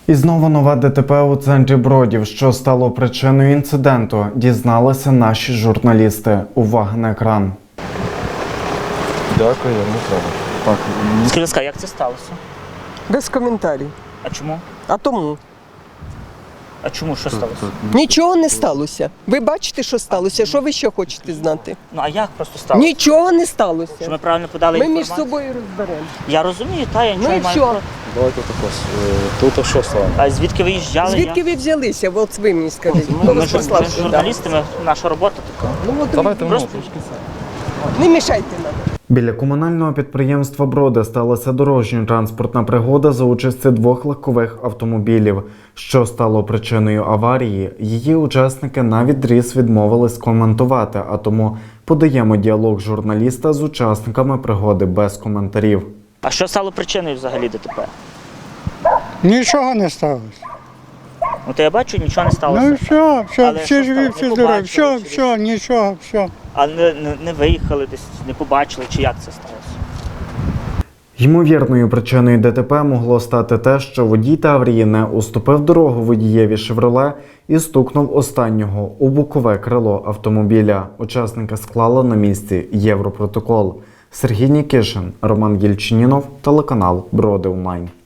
І знову нове ДТП у центрі Бродів. Що стало причиною інциденту, дізналися наші журналісти. Увага на екран. Дякую, не треба. Так, Скажіть, будь ласка, як це сталося? Без коментарів. А чому? А тому А чому? Що сталося? нічого не сталося. Ви бачите, що сталося? Що ви ще хочете знати? Ну а як просто сталося? Нічого не Що сталося. ми правильно подали Ми між інформацію? собою розберемо. Я розумію, та я нічого Ну і не маю. що? проти. давайте також. Тут що стало? А звідки ви їжджали? Звідки ви взялися? От ви мені скажіть. Ми, Хто ми, вас ж- послав ми ж сюди? журналісти, наша робота така. Ну, от Давайте Просто- не мішайте нам. Біля комунального підприємства «Броди» сталася дорожньо-транспортна пригода за участі двох легкових автомобілів. Що стало причиною аварії, її учасники навідріз відмовились коментувати, а тому подаємо діалог журналіста з учасниками пригоди без коментарів. А що стало причиною взагалі ДТП? Нічого не сталося. Ну то я бачу, нічого не сталося. Ну все, Але всі що живі, сталося? всі Не здорові. побачили Все, чи все, нічого, все. А не виїхали десь, не побачили, чи як це сталося? Ймовірною причиною ДТП могло стати те, що водій Таврії не уступив дорогу водієві «Шевроле» і стукнув останнього у бокове крило автомобіля. Учасники склали на місці Європротокол. Сергій Нікішин, Роман Єльчинінов, телеканал «Броди Онлайн».